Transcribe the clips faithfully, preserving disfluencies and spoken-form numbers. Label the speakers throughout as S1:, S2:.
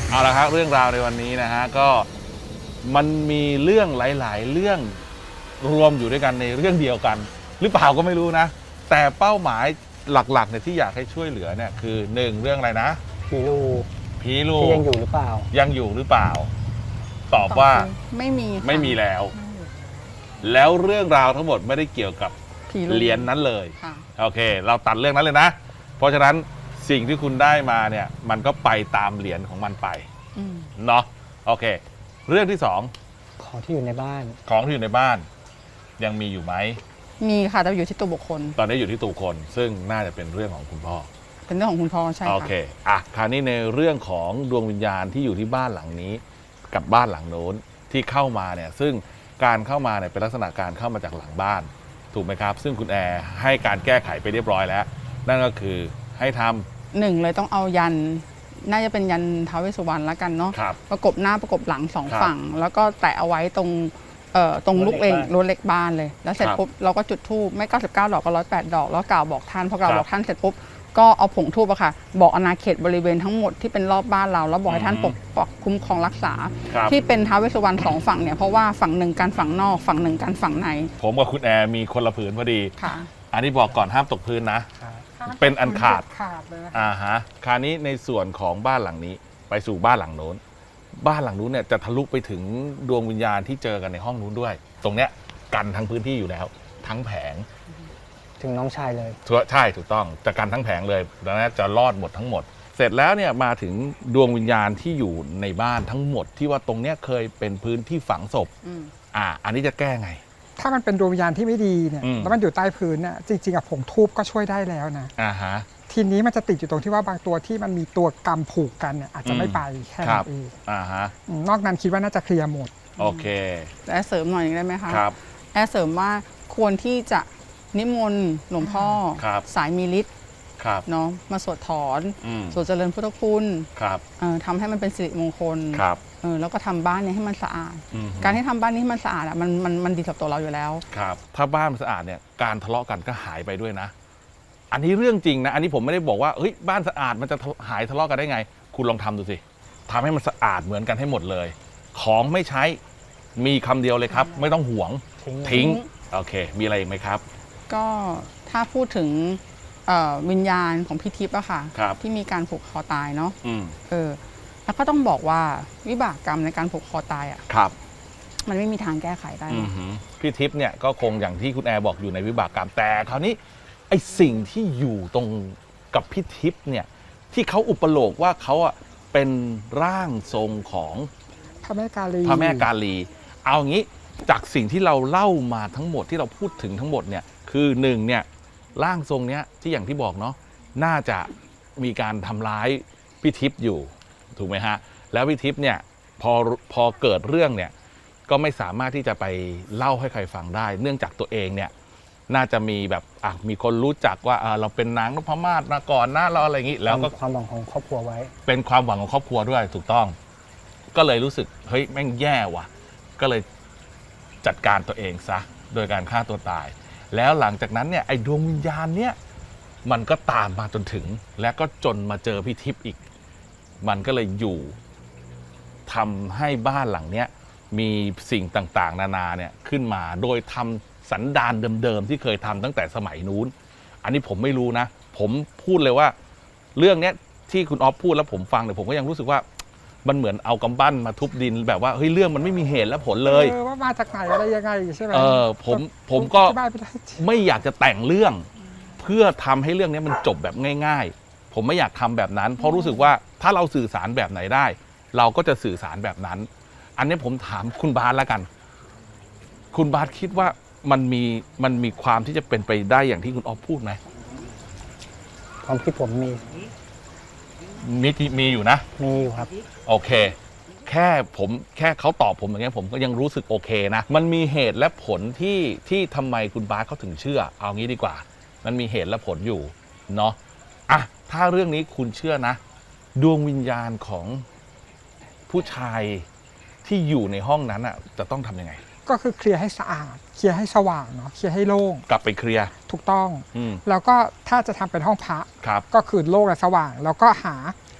S1: เอาละครับเรื่องราวในวันนี้นะฮะก็มันมีเรื่องหลายๆเรื่องรวมอยู่ด้วยกันในเรื่องเดียวกันหรือเปล่าก็ไม่รู้นะแต่เป้าหมายหลักๆเนี่ยที่อยากให้ช่วยเหลือเนี่ยคือหนึ่งเรื่องอะไรนะ
S2: ผีลู
S1: ผีลู
S2: ที่ยังอยู่หรือเปล่า
S1: ยังอยู่หรือเปล่าตอบว่า
S3: ไม่มี
S1: ไม่มีแล้วแล้วเรื่องราวทั้งหมดไม่ได้เกี่ยวกับเหรียญนั้นเลยโอเคเราตัดเรื่องนั้นเลยนะเพราะฉะนั้นสิ่งที่คุณได้มาเนี่ยมันก็ไปตามเหรียญของมันไปเนาะโอเคเรื่องที่สอง
S2: ของที่อยู่ในบ้าน
S1: ของที่อยู่ในบ้านยังมีอยู่ไหม
S3: มีค่ะแต่อยู่ที่ตัวบุคคล
S1: ตอนนี้อยู่ที่ตัวคนซึ่งน่าจะเป็นเรื่องของคุณพ่อ
S3: เป็นเรื่องของคุณพ่อใช่ค่ะ
S1: โอเคอ่ะคราวนี้ในเรื่องของดวงวิญญาณที่อยู่ที่บ้านหลังนี้กับบ้านหลังโน้นที่เข้ามาเนี่ยซึ่งการเข้ามาเนี่ยเป็นลักษณะการเข้ามาจากหลังบ้านถูกไหมครับซึ่งคุณแอร์ให้การแก้ไขไปเรียบร้อยแล้วนั่นก็คือให้ทำ
S3: หนึ่งเลยต้องเอายันน่าจะเป็นยันท้าวเวสสุวรรณแล้วกันเนาะประกบหน้าประกบหลังสองฝั่งแล้วก็แตะเอาไว้ตรงเอ่อตรงลูกเองรถเล็กบ้านเลยแล้วเสร็จปุ๊บเราก็จุดธูปไม่เก้าสิบเก้าดอกก็ร้อยแปดดอกแล้วกล่าวบอกท่านพอกล่าวบอกท่านเสร็จปุ๊บก็เอาผงธูปอะค่ะบอกอาณาเขตบริเวณทั้งหมดที่เป็นรอบบ้านเราแล้วบอกให้ท่านปกปักคุ้มครองรักษาที่เป็นท้าวเวสสุวรรณสองฝั่งเนี่ยเพราะว่าฝั่งหนึ่งการฝั่งนอกฝั่งหนึ่งการฝั่งใน
S1: ผมกับคุณแอร์มีคนละผืนพอดี
S3: ค่ะ
S1: อันนี้บอกก่อนห้ามตกพื้นนะเป็นอันขาดอ่าฮะคราวนี้ในส่วนของบ้านหลังนี้ไปสู่บ้านหลังโน้นบ้านหลังนู้นเนี่ยจะทะลุไปถึงดวงวิญญาณที่เจอกันในห้องนู้นด้วยตรงเนี้ยกันทั้งพื้นที่อยู่แล้วทั้งแผง
S2: ถึงน้องชายเลย
S1: ใช่ถูกต้องจะกันทั้งแผงเลยดังนั้นจะรอดหมดทั้งหมดเสร็จแล้วเนี่ยมาถึงดวงวิญญาณที่อยู่ในบ้านทั้งหมดที่ว่าตรงเนี้ยเคยเป็นพื้นที่ฝังศพอ่าอันนี้จะแก้ไง
S4: ถ้ามันเป็นดวงวิญญาณที่ไม่ดีเนี่ยแล้วมันอยู่ใต้พื้นน่ะจริงๆอะผงทูบก็ช่วยได้แล้วนะ
S1: อ่าฮะ
S4: ทีนี้มันจะติดอยู่ตรงที่ว่าบางตัวที่มันมีตัวกรรมผูกกันเนี่ยอาจจะไม่ไปแค่นั้นเอง
S1: อ่าฮะ
S4: นอกนั้นคิดว่าน่าจะเคลียร์หมด
S1: โอเค
S3: แอร์เสริมหน่อยได้ไหมคะ
S1: ครับ
S3: แอร์เสริมว่าควรที่จะนิมนต์หลวงพ่อสายมีฤทธิ์เนาะมาสวดถอนสวดเจริญพุทธคุณทำให้มันเป็นสิริมงคลแล้วก็ทำบ้านนี้ให้มันสะอาดการที่ทำบ้านนี้ให้มันสะอาดอ่ะมันมันมันดีกับตัวเราอยู่แล้ว
S1: ครับถ้าบ้านมันสะอาดเนี่ยการทะเลาะกันก็หายไปด้วยนะอันนี้เรื่องจริงนะอันนี้ผมไม่ได้บอกว่าเฮ้ยบ้านสะอาดมันจะหายทะเลาะกันได้ไงคุณลองทำดูสิทำให้มันสะอาดเหมือนกันให้หมดเลยของไม่ใช้มีคำเดียวเลยครับไม่ต้องห่วงทิ้งโอเคมีอะไรอีกไหมครับ
S3: ก็ถ้าพูดถึงวิญญาณของพี่ทิพย์อะค่ะที่มีการผูกคอตายเนาะเออแล้วก็ต้องบอกว่าวิบากกรรมในการผูกคอตายอะมันไม่มีทางแก้ไขได้
S1: พี่ทิพย์เนี่ยก็คงอย่างที่คุณแอร์บอกอยู่ในวิบากกรรมแต่คราวนี้ไอสิ่งที่อยู่ตรงกับพี่ทิพย์เนี่ยที่เขาอุปโลกว่าเขาอะเป็นร่างทรงของ
S4: พระแม่กาลี
S1: พระแม่กาลีเอางี้จากสิ่งที่เราเล่ามาทั้งหมดที่เราพูดถึงทั้งหมดเนี่ยคือหนึ่งเนี่ยร่างทรงเนี้ยที่อย่างที่บอกเนาะน่าจะมีการทำร้ายพี่ทิพย์อยู่ถูกไหมฮะแล้วพี่ทิพย์เนี่ยพอพอเกิดเรื่องเนี่ยก็ไม่สามารถที่จะไปเล่าให้ใครฟังได้เนื่องจากตัวเองเนี่ยน่าจะมีแบบอ่ะมีคนรู้จักว่าเราเป็นนางนพมาศมาก่อนนะเราอะไรอย่างนี้แล้วก็
S2: ความหวังของครอบครัวไว้
S1: เป็นความหวังของครอบครัวด้วยถูกต้องก็เลยรู้สึกเฮ้ยแม่งแย่ว่ะก็เลยจัดการตัวเองซะโดยการฆ่าตัวตายแล้วหลังจากนั้นเนี่ยไอ้ดวงวิญญาณเนี่ยมันก็ตามมาจนถึงและก็จนมาเจอพี่ทิพย์อีกมันก็เลยอยู่ทำให้บ้านหลังเนี้ยมีสิ่งต่างๆนานาเนี่ยขึ้นมาโดยทำสันดานเดิมๆที่เคยทำตั้งแต่สมัยนู้นอันนี้ผมไม่รู้นะผมพูดเลยว่าเรื่องเนี้ยที่คุณออฟพูดแล้วผมฟังเนี่ยผมก็ยังรู้สึกว่ามันเหมือนเอากำปั้นมาทุบดินแบบว่าเฮ้ยเรื่องมันไม่มีเหตุและผลเลย
S4: เออว่ามาจากไหนอะไรยังไงใช่ไหม
S1: เออผมผมก็ไม่อยากจะแต่งเรื่องเพื่อทำให้เรื่องนี้มันจบแบบง่ายๆผมไม่อยากทำแบบนั้นเพราะรู้สึกว่าถ้าเราสื่อสารแบบไหนได้เราก็จะสื่อสารแบบนั้นอันนี้ผมถามคุณบาสแล้วกันคุณบาสคิดว่ามันมีมันมีความที่จะเป็นไปได้อย่างที่คุณออฟพูดไหม
S2: ความคิดผมมี
S1: มีมีอยู่นะ
S2: มีอยู่ครับ
S1: โอเคแค่ผมแค่เขาตอบผมอย่างเงี้ยผมก็ยังรู้สึกโอเคนะมันมีเหตุและผลที่ที่ทำไมคุณบาสเขาถึงเชื่อเอางี้ดีกว่ามันมีเหตุและผลอยู่เนาะอ่ะถ้าเรื่องนี้คุณเชื่อนะดวงวิญญาณของผู้ชายที่อยู่ในห้องนั้นอ่ะจะต้องทำยังไง
S4: ก็คือเคลียร์ให้สะอาดเคลียร์ให้สว่างเนาะเคลียร์ให้โล่ง
S1: กลับไปเคลียร์
S4: ถูกต้องแล้วก็ถ้าจะทำเป็นห้องพระก็คือโล่งและสว่างแล้วก็หาพ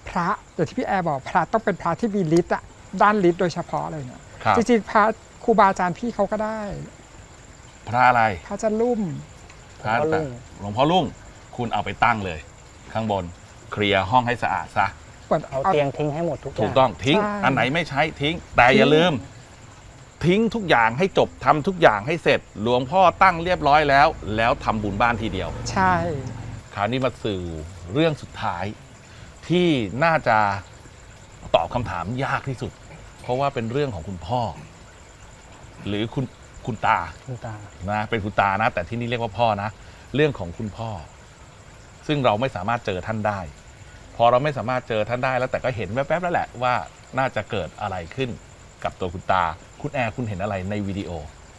S4: พระอย่างที่พี่แอร์บอกพระต้องเป็นพระที่มีฤทธิ์อะด้านฤทธิ์โดยเฉพาะเลยเนี่ย
S1: ครับ
S4: จริงๆพระครูบาอาจารย์พี่เขาก็ได้
S1: พระอะไร
S4: พระจะลุ่ม
S1: พระ
S2: หลวงพ่อรุ่ง
S1: หลวงพ่อรุ่งคุณเอาไปตั้งเลย ข้างบนเคลียร์ห้องให้สะอาดซะ
S4: เหมือน
S2: เอา
S4: เอา
S2: เตียงทิ้งให้หมดทุกอย่าง
S1: ถูกต้องทิ้ง
S4: ใช่
S1: อันไหนไม่ใช้ทิ้ง แต่อย่า
S4: ทิ้ง
S1: ลืม ทิ้งทุกอย่างให้จบทำทุกอย่างให้เสร็จ หลวงพ่อตั้งเรียบร้อยแล้ว แล้วทำบุญบ้านทีเดียว
S4: ใช่
S1: คราวนี้มาสู่เรื่องสุดท้าย ที่น่าจะตอบคำถามยากที่สุด เพราะว่าเป็นเรื่องของคุณพ่อ หรือคุณคุณตา
S2: คุณตา
S1: นะเป็นคุณตานะ แต่ที่นี่เรียกว่าพ่อนะ เรื่องของคุณพ่อ ซึ่งเราไม่สามารถเจอท่านได้ พอเราไม่สามารถเจอท่านได้แล้วแต่ก็เห็นแวบๆแล้วแหละว่าน่าจะเกิดอะไรขึ้นกับตัวคุณตา คุณแอร์คุณเห็นอะไรในวิดีโอ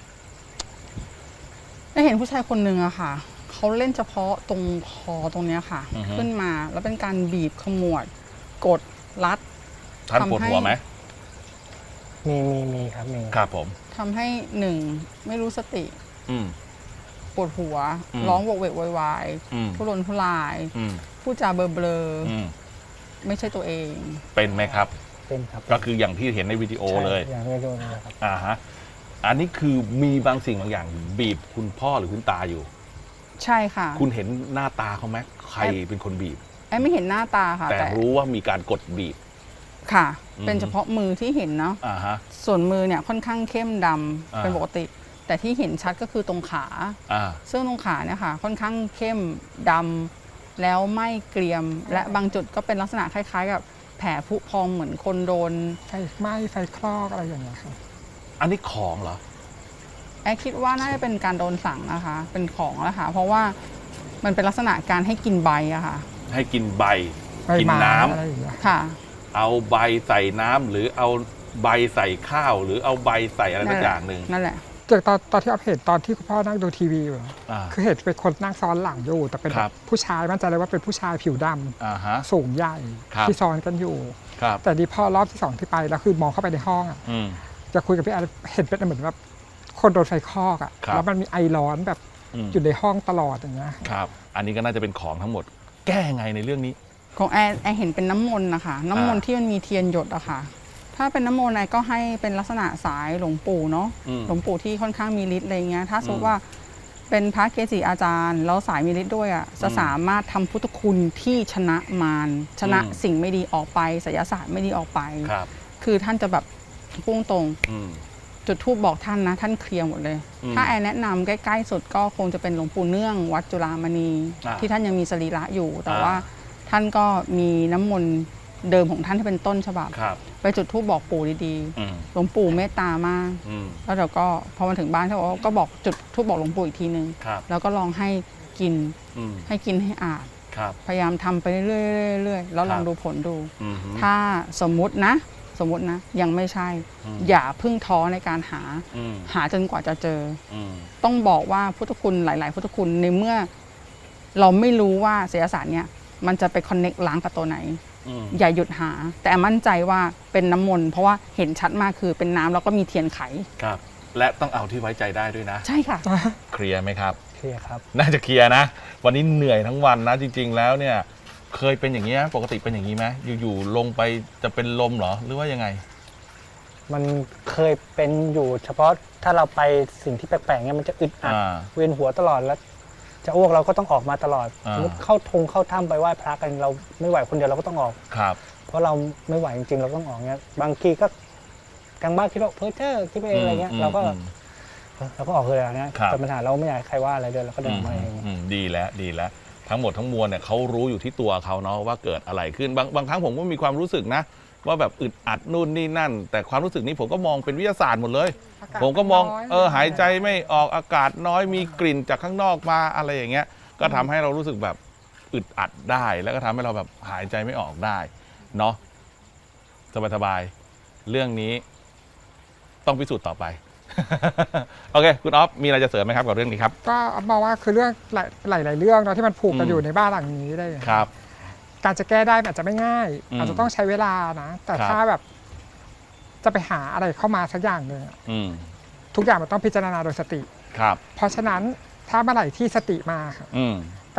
S3: ได้เห็นผู้ชายคนหนึ่งอะค่ะเขาเล่นเฉพาะตรงคอตรงเนี้ยค่ะ
S1: อือฮึ
S3: ขึ้นมาแล้วเป็นการบีบขมวด กดรัด
S1: ท่านปวดหัวไหม
S2: มีมีมีครับมี
S1: ครับผม
S3: ทำให้หนึ่งไม่รู้สติ
S1: อืม
S3: ปวดหัว
S1: อืม
S3: ร้องโวกเวกโวยวาย
S1: อืม
S3: ทุรนทุราย
S1: อืม
S3: พูดจาเบลอเบลอ
S1: อืม
S3: ๆไม่ใช่ตัวเอง
S1: เป็นไหมครับ
S2: เป็นครับ
S1: ก็คืออย่างที่เห็นในวิดีโอเลย
S2: ใช่อย่างที่ดูนี่แหละครับ
S1: อ่าฮะ อันนี้คือมีบางสิ่งบางอย่างบีบคุณพ่อหรือคุณตาอยู่
S3: ใช่ค่ะ
S1: คุณเห็นหน้าตาเขาไหมใครเป็นคนบีบ
S3: แอนไม่เห็นหน้าตาค่ะ
S1: แต่
S3: แต่
S1: รู้ว่ามีการกดบีบ
S3: ค่ะ
S1: อืม
S3: เป็นเฉพาะมือที่เห็นเนาะ
S1: อ่าฮะ
S3: ส่วนมือเนี่ยค่อนข้างเข้มดำ
S1: อ่า
S3: เป็นปกติ แต่ที่เห็นชัดก็คือตรงขา
S1: อ่า
S3: ซึ่งตรงขาเนี่ยค่ะค่อนข้างเข้มดำแล้วไม่เกรียม และบางจุดก็เป็นลักษณะคล้ายๆ กับแผลผุพองเหมือนคนโดน
S4: ไฟไหม้ไฟคลอกอะไรอย่างเงี้ยครับ
S1: อันนี้ของเหรอ
S3: แอร์คิดว่าน่าจะเป็นการโดนสั่งนะคะ เป็นของนะคะเพราะว่ามันเป็นลักษณะการให้กินใบอะค่ะ
S1: ให้กินใบ
S4: ใบ
S1: กิน
S4: ไม้
S1: น้ำ
S4: อะไรอย่างเงี้ย
S3: ค่ะ
S1: เอาใบใส่น้ำหรือเอาใบใส่ข้าว หรือเอาใบใส่อะไรสักอย่างหนึ่ง
S3: นั่นแหละ
S4: จากตอนตอนที่เราเห็นตอนที่คุณพ่อนั่งดูทีวีอยู่
S1: อ่า
S4: คือเห็นเป็นคนนั่งซ้อนหลังอยู่ แต่เป็น
S1: ครับ
S4: ผู้ชายมั่นใจเลยว่าเป็นผู้ชายผิวดำ
S1: อ่าฮะ
S4: สูงใหญ่
S1: ครับ
S4: ที่ซ้อนกันอยู่
S1: ครับ
S4: แต่ดีพอรอบที่สองที่ไปแล้วคือมองเข้าไปในห้องอะ
S1: อืม
S4: จะคุยกับพี่แอนเห็นเป็นเหมือนแบบคนโดนไฟคลอกอะ
S1: ครับ
S4: แล้วมันมีไอร้อนแบบ
S1: อืม
S4: อยู่ในห้องตลอดอย่างเงี้ย
S1: ครับ อันนี้ก็น่าจะเป็นของทั้งหมด แก้ไงในเรื่องนี้
S3: ของแอร์แอร์เห็นเป็นน้ำมนต์นะคะน้ำมนต์
S1: อ่า
S3: ที่มันมีเทียนหยดอะค่ะ ถ้าเป็นน้ำมนต์แอร์ก็ให้เป็นลักษณะสายหลวงปู่เนาะ
S1: อืม
S3: หลวงปู่ที่ค่อนข้างมีฤทธิ์อะไรเงี้ยถ้าสมม
S1: อื
S3: ติ
S1: ม
S3: ว่าเป็นพระเกจิอาจารย์แล้วสายมีฤทธิ์ด้วยอะจะ
S1: อืม
S3: สามารถทำพุทธคุณที่ชนะมารชนะ
S1: อืม
S3: สิ่งไม่ดีออกไปไสยศาสตร์ไม่ดีออกไป
S1: ครับ
S3: คือท่านจะแบบพุ่งตรง
S1: อืม
S3: จุดทูบบอกท่านนะ ท่านเคลียร์หมดเลย
S1: อืม
S3: ถ้าแอนแนะนำใกล้ๆสุดก็คงจะเป็นหลวงปู่เนื่องวัดจุฬามณี
S1: อ่า
S3: ที่ท่านยังมีสรีระอยู่ แต่
S1: อ่า
S3: ว่าท่านก็มีน้ำมนต์เดิมของท่านที่เป็นต้นฉบับ
S1: ครับ
S3: ไปจุดทูบบอกปู่ดี
S1: อืม
S3: ๆหลวงปู่เมตตามาก
S1: อืม
S3: แล้วเดี๋ยวก็พอมาถึงบ้านเขาบอกว่าก็บอกจุดทูบบอกหลวงปู่อีกทีนึง
S1: ครับ
S3: แล้วก็ลองให้กิน
S1: อืม
S3: ให้กินให้อาบ
S1: ครับ
S3: พยายามทำไปเรื่อยๆเรื่อยๆแล้วลอง
S1: ครับ
S3: ดูผลดู
S1: อืม
S3: ถ้าสมมุตินะ สมมุตินะ ยังไม่ใช่
S1: อืม
S3: อย่าเพึ่งท้อในการหา
S1: อืม
S3: หาจนกว่าจะเจอ
S1: อืม
S3: ต้องบอกว่าพุทธคุณหลาย ๆ พุทธคุณในเมื่อ เราไม่รู้ว่าไสยศาสตร์เนี่ยมันจะไปคอนเน็กล้างกับตัวไหน
S1: อืม
S3: อย่าหยุดหา แต่มั่นใจว่าเป็นน้ำมนต์เพราะว่าเห็นชัดมากคือเป็นน้ำแล้วก็มีเทียนไข
S1: ครับ และต้องเอาที่ไว้ใจได้ด้วยนะ
S3: ใช่ค่ะ
S1: เคลียร์ไหมครับ
S2: เคลียร์ครับ
S1: น่าจะเคลียร์นะ วันนี้เหนื่อยทั้งวันนะ จริง ๆ แล้วเนี่ย เคยเป็นอย่างนี้ไหมปกติเป็นอย่างนี้ไหมอยู่ๆลงไปจะเป็นลมเหรอหรือว่ายังไง
S2: มันเคยเป็นอยู่เฉพาะถ้าเราไปสิ่งที่แปลกๆเนี่ยมันจะอึดอัด
S1: อ่า
S2: เวียนหัวตลอดแล้ว จะอ้วกเราก็ต้องออกมาตลอด
S1: อ่า
S2: สมมติเข้าทงเข้าถ้ำไปไหว้พระกันเราไม่ไหวคนเดียวเราก็ต้องออก
S1: ครับ
S2: เพราะเราไม่ไหวจริงๆเราต้องออกเงี้ยบางทีก็กลางบ้านคิดว่าเพ้อเจ้อคิดไปเองอะไรเงี้ย
S1: อืม
S2: เราก็
S1: อืม
S2: เราก็ออกเลยอะไรเงี้ย
S1: ครับ
S2: แต่ปัญหาเราไม่อยากให้ใครว่าอะไรเดินเราก็เดินออกมาเอง
S1: อืมดีแล้วดีแล้ว ทั้งหมดทั้งมวลเนี่ยเขารู้อยู่ที่ตัวเขาเนาะว่าเกิดอะไรขึ้นบางบางครั้งผมก็มีความรู้สึกนะ ว่าแบบอึดอัดนู่นนี่นั่น แต่ความรู้สึกนี้ผมก็มองเป็นวิทยาศาสตร์หมดเลย
S4: อากาศ
S1: ผมก็มอง
S4: น้อย
S1: เออหายใจไม่ออกอากาศน้อยมีกลิ่นจากข้างนอกมาอะไรอย่างเงี้ย ก็ทำให้เรารู้สึกแบบอึดอัดได้ แล้วก็ทำให้เราแบบหายใจไม่ออกได้เนาะสบายๆเรื่องนี้ต้องพิสูจน์ต่อไป โอเคคุณอ๊อฟมีอะไรจะเสริมไหมครับกับเรื่องนี้ครับ
S4: ก็มองว่าคือเรื่องหลายหลายหลายเรื่องเนาะที่มันผูกกัน
S1: อืม
S4: อยู่ในบ้านหลังนี้ได้
S1: ครับ
S4: การจะแก้ได้มันอาจจะไม่ง่าย
S1: อืม
S4: อาจจะต้องใช้เวลานะ แต่
S1: ครับ
S4: ถ้าแบบจะไปหาอะไรเข้ามาสักอย่างหนึ่งอะ
S1: อืม
S4: ทุกอย่างมันต้องพิจารณาโดยสติ
S1: ครับ
S4: เพราะฉะนั้นถ้าเมื่อไหร่ที่สติมาค่ะ
S1: อืม
S4: ก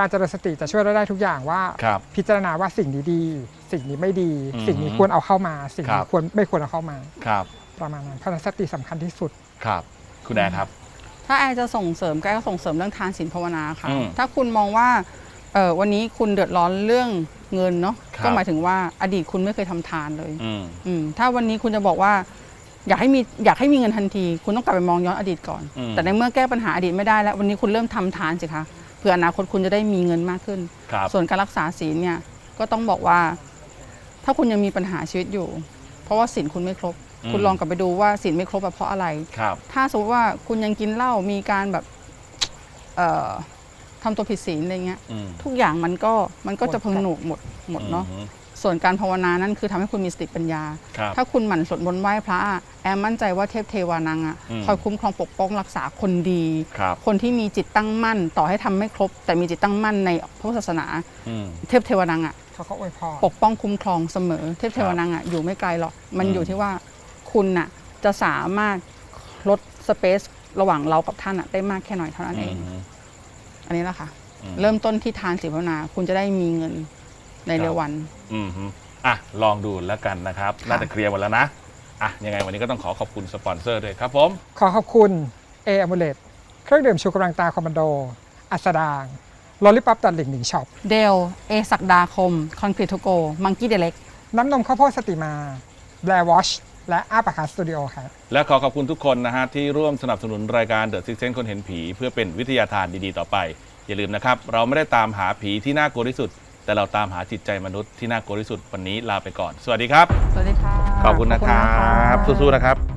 S4: การเจริญสติจะช่วยเราได้ทุกอย่างว่า
S1: ครับ
S4: พิจารณาว่าสิ่งนี้ดี สิ่งนี้ไม่ดี
S1: อืม
S4: สิ่งนี้ควรเอาเข้ามา สิ่ง
S1: ครั
S4: นี้
S1: บ
S4: ควรไม่ควรเอาเข้ามา
S1: ครับ
S4: ประมาณนั้นเพราะฉะนั้นสติสำคัญที่สุด
S1: ครับ คุณแอร์ครับ
S3: ถ้าแอร์จะส่งเสริมก็แอร์ก็ส่งเสริมเรื่องทานศีลภาวนาค่ะ
S1: อืม
S3: ถ้าคุณมองว่าเออวันนี้คุณเดือดร้อนเรื่องเงินเนาะ
S1: ครับ
S3: ก็หมายถึงว่าอดีตคุณไม่เคยทำทานเลย
S1: อืม
S3: อืมถ้าวันนี้คุณจะบอกว่า อยากให้มีอยากให้มีเงินทันที คุณต้องกลับไปมองย้อนอดีตก่อน
S1: อืม
S3: แต่ในเมื่อแก้ปัญหาอดีตไม่ได้แล้ววันนี้คุณเริ่มทำทานสิคะเพื่ออนาคตคุณจะได้มีเงินมากขึ้น
S1: ครับ
S3: ส่วนการรักษาศีลเนี่ยก็ต้องบอกว่า ถ้าคุณยังมีปัญหาชีวิตอยู่ เพราะว่าศีลคุณไม่ครบ
S1: อืม
S3: คุณลองกลับไปดูว่าศีลไม่ครบแบบเพราะอะไร
S1: ครับ
S3: ถ้าสมมติว่าคุณยังกินเหล้ามีการแบบเอ่อทำตัวผิดศีลอะไรเงี้ย
S1: อืม
S3: ทุกอย่างมันก็มันก็จะพังหนุกหมดหมดเนาะ
S1: อืม
S3: ส่วนการภาวนานั่นคือทำให้คุณมีสติปัญญา
S1: ครับ
S3: ถ้าคุณหมั่นสวดมนต์ไหว้พระอะแอมมั่นใจว่าเทพเทวานังอ่ะ
S1: อืม
S3: คอยคุ้มครองปกป้องรักษาคนดี
S1: ครับ
S3: คนที่มีจิตตั้งมั่น ต่อให้ทำไม่ครบ แต่มีจิตตั้งมั่นในพระพุทธศาสนา
S1: อืม
S3: เทพเทวานังอ่ะ
S4: เขาก็อวยพร
S3: ปกป้องคุ้มครองเสมอ เทพเทวานังอ่ะอยู่ไม่ไกลหรอกมัน
S1: อืม
S3: อยู่ที่ว่าคุณน่ะจะสามารถลดสเปซระหว่างเรากับท่านอ่ะได้มากแค่ไหนเท่านั้นเอง
S1: อืม
S3: อันนี้แหละค่ะ
S1: อืม
S3: เริ่มต้นที่ทานศีลภาวนา คุณจะได้มีเงินในเร็ววัน
S1: อืมฮึอ่ะ ลองดูแล้วกันนะครับ
S3: ค่ะ
S1: น่าจะเคลียร์หมดแล้วนะ อ่ะ ยังไงวันนี้ก็ต้องขอขอบคุณสปอนเซอร์ด้วยครับผม
S4: ขอขอบคุณเออ m u l e t เครื่องดื่มชูกำลังตาคอมมานโด อัสดางลอลิปับตัดหลิงหนิงช็อป
S3: เดลเอศักดาคมคอนกรีตโทโกมังกี้เดเล็ก
S4: น้ำนมข้าวโพดสติมาแบร์วอชและอาปาคาสตูดิโอครับ
S1: และขอขอบคุณทุกคนนะฮะที่ร่วมสนับสนุนรายการ The Six Sense คนเห็นผี เพื่อเป็นวิทยาทานดีๆต่อไป อย่าลืมนะครับ เราไม่ได้ตามหาผีที่น่ากลัวที่สุด แต่เราตามหาจิตใจมนุษย์ที่น่ากลัวที่สุด วันนี้ลาไปก่อน สวัสดีครับ
S3: สวัสดีค่ะ
S1: ขอบคุณนะครับ
S3: ขอบคุณนะคะ
S1: สู้ๆนะครับ